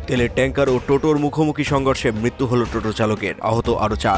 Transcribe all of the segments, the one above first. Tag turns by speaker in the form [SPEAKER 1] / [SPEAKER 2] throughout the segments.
[SPEAKER 1] তেলের ট্যাঙ্কার ও টোটোর মুখোমুখি সংঘর্ষে মৃত্যু হল টোটো চালকের, আহত আরও 4।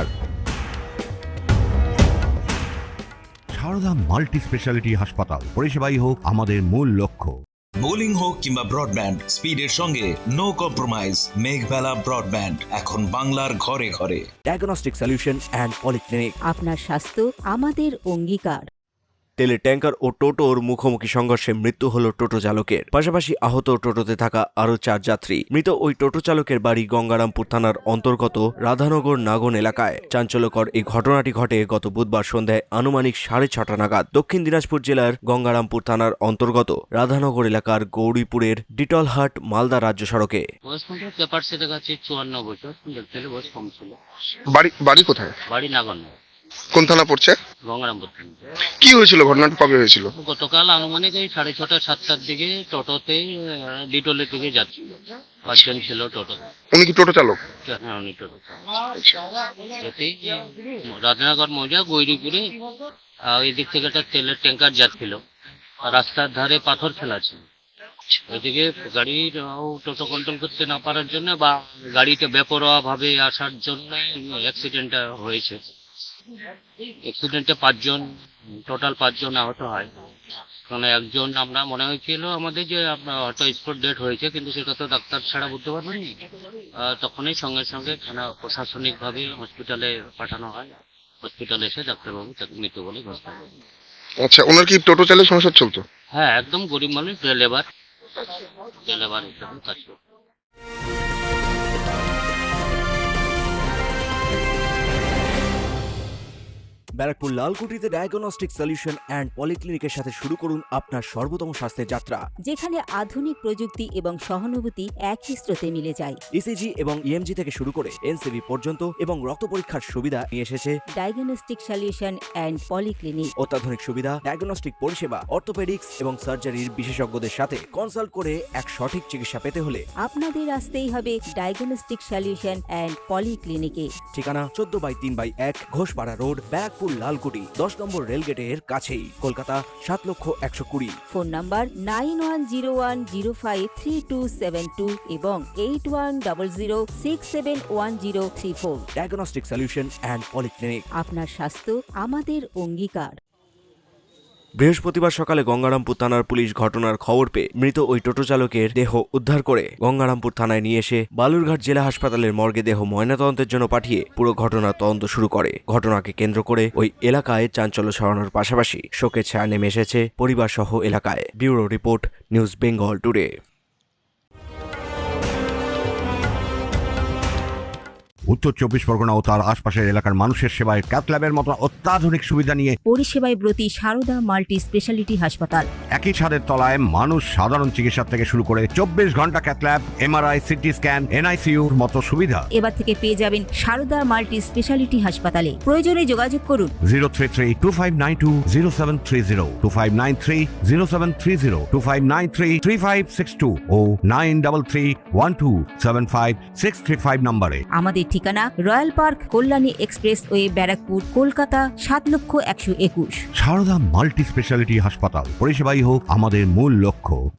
[SPEAKER 2] সারদা মাল্টি স্পেশালিটি হাসপাতাল, পরিষেবাই হোক আমাদের মূল লক্ষ্য।
[SPEAKER 3] বোলিং হোক কিংবা ব্রডব্যান্ড, স্পিডের সঙ্গে নো কম্প্রোমাইজ। মেঘবেলা ব্রডব্যান্ড এখন বাংলার ঘরে ঘরে।
[SPEAKER 1] Diagnostic solution and polyclinic.
[SPEAKER 4] আপনার স্বাস্থ্য আমাদের অঙ্গীকার।
[SPEAKER 1] তেলের ট্যাঙ্কার ও টোটোর মুখোমুখি সংঘর্ষে মৃত্যু হল টোটো চালকের, পাশাপাশি আহত টোটোতে থাকা আরও 4 যাত্রী। মৃত ওই টোটো চালকের বাড়ি গঙ্গারামপুর থানার অন্তর্গত রাধানগর নাগন এলাকায়। চাঞ্চল্যকর এই ঘটনাটি ঘটে গত বুধবার সন্ধ্যায় আনুমানিক 6:30 নাগাদ দক্ষিণ দিনাজপুর জেলার গঙ্গারামপুর থানার অন্তর্গত রাধানগর এলাকার গৌরীপুরের ডিটলহাট মালদা রাজ্য সড়কে।
[SPEAKER 5] বয়স মোটামুটি পেপার সে দেখাচ্ছে 54 বছর, দেখতে গেলে বয়স কম ছিল।
[SPEAKER 6] বাড়ি কোথায়?
[SPEAKER 5] বাড়ি নাগন,
[SPEAKER 6] কোন থানা পড়ছে?
[SPEAKER 5] গঙ্গারামপুর।
[SPEAKER 6] কি হয়েছিল, ঘটনাটা কবে হয়েছিল?
[SPEAKER 5] গতকাল আনুমানিক এই 6:30 7টার দিকে টোটোতে ডিটোলের দিকে যাচ্ছিল। 5 জন ছিল টোটোতে।
[SPEAKER 6] উনি কি টোটো চালক?
[SPEAKER 5] হ্যাঁ, উনি টোটো যেতেই রাধানগর মৌজা গৈরিপুরে এদিক থেকে একটা তেলের ট্যাঙ্কার যাচ্ছিল। রাস্তার ধারে পাথর ফেলা ছিল। ওইদিকে গাড়ির টোটো কন্ট্রোল করতে না পারার জন্য বা গাড়িটা বেপরোয়া ভাবে আসার জন্য অ্যাক্সিডেন্টটা হয়েছে। অ্যাক্সিডেন্টে 5 জন আহত হয়। কারণ একজন আমরা মনে হয়েছিল আমাদের যে আপনার হয়তো স্পট ডেট হয়েছে, কিন্তু সেটা তো ডাক্তার ছাড়া বলতে পারবেন। তখনই সঙ্গে সঙ্গে থানা প্রশাসনিকভাবে হসপিটালে পাঠানো হয়। হসপিটালে এসে ডাক্তারবাবু তাকে মৃত্যু বলে ঘোষণা করেন।
[SPEAKER 6] আচ্ছা, ওনার কি টোটো চালের সংসার চলতো?
[SPEAKER 5] হ্যাঁ, একদম গরিব মানুষ, লেবার হিসেবে কাজ করতো।
[SPEAKER 1] ব্যারাকপুর লালকুটিতে ডায়াগনস্টিক সলিউশন অ্যান্ড পলিক্লিনিকের সাথে শুরু করুন আপনার সর্বোত্তম স্বাস্থ্যের যাত্রা।
[SPEAKER 4] যেখানে আধুনিক প্রযুক্তি এবং সহানুভূতি একই স্রোতে মিলে যায়।
[SPEAKER 1] ইসিজি এবং ইএমজি থেকে শুরু করে এনসিবি পর্যন্ত এবং রক্ত পরীক্ষার সুবিধা নিয়ে এসেছে
[SPEAKER 4] ডায়াগনস্টিক সলিউশন অ্যান্ড পলিক্লিনিক।
[SPEAKER 1] অত্যাধুনিক সুবিধা, ডায়াগনস্টিক পরিষেবা, অর্থোপেডিক্স এবং সার্জারির বিশেষজ্ঞদের সাথে কনসাল্ট করে এক সঠিক চিকিৎসা পেতে হলে
[SPEAKER 4] আপনাদের আসতেই হবে ডায়াগনস্টিক সলিউশন অ্যান্ড পলিক্লিনিকে।
[SPEAKER 1] ঠিকানা 14/3/1 ঘোষপাড়া রোড, ব্যারাকপুর লালকুটি, 10 নম্বর রেলগেটের কাছেই, কলকাতা 7,120,000।
[SPEAKER 4] ফোন নাম্বার 9101053272 এবং 8100671034।
[SPEAKER 1] Diagnostic solution and polyclinic.
[SPEAKER 4] আপনার স্বাস্থ্য আমাদের অঙ্গীকার।
[SPEAKER 1] বৃহস্পতিবার সকালে গঙ্গারামপুর থানার পুলিশ ঘটনার খবর পেয়ে মৃত ওই টোটো চালকের দেহ উদ্ধার করে গঙ্গারামপুর থানায় নিয়ে এসে বালুরঘাট জেলা হাসপাতালের মর্গে দেহ ময়নাতদন্তের জন্য পাঠিয়ে পুরো ঘটনার তদন্ত শুরু করে। ঘটনাকে কেন্দ্র করে ওই এলাকায় চাঞ্চল্য ছড়ানোর পাশাপাশি শোকের ছায়া নেমে এসেছে পরিবার সহ এলাকায়। Bureau report, news Bengal today.
[SPEAKER 2] উত্তর 24 পরগনা ও তার আশপাশের এলাকার মানুষের সেবায় ক্যাথল্যাবের মতো অত্যাধুনিক সুবিধা নিয়ে
[SPEAKER 4] পরিষেবায় ব্রতী সারদা মাল্টি স্পেশালিটি হাসপাতাল।
[SPEAKER 2] একই ছাদের তলায় মানুষ সাধারণ চিকিৎসা থেকে শুরু করে 24 ঘন্টা ক্যাথল্যাব, এমআরআই, সিটি স্ক্যান, এনআইসিইউর মতো সুবিধা
[SPEAKER 4] এবার থেকে পেয়ে যাবেন সারদা মাল্টি স্পেশালিটি হাসপাতালে। প্রয়োজনে যোগাযোগ করুন
[SPEAKER 2] 033-2592-0730, 2593-0730, 2593-3562 ও 9331275635 নম্বরে।
[SPEAKER 4] আমাদের ঠিকানা Royal Park, Kalyani expressway, Barrackpore, Kolkata 7,121,000।
[SPEAKER 2] Sarada multi speciality হাসপাতাল, পরিষেবাই হোক আমাদের মূল লক্ষ্য।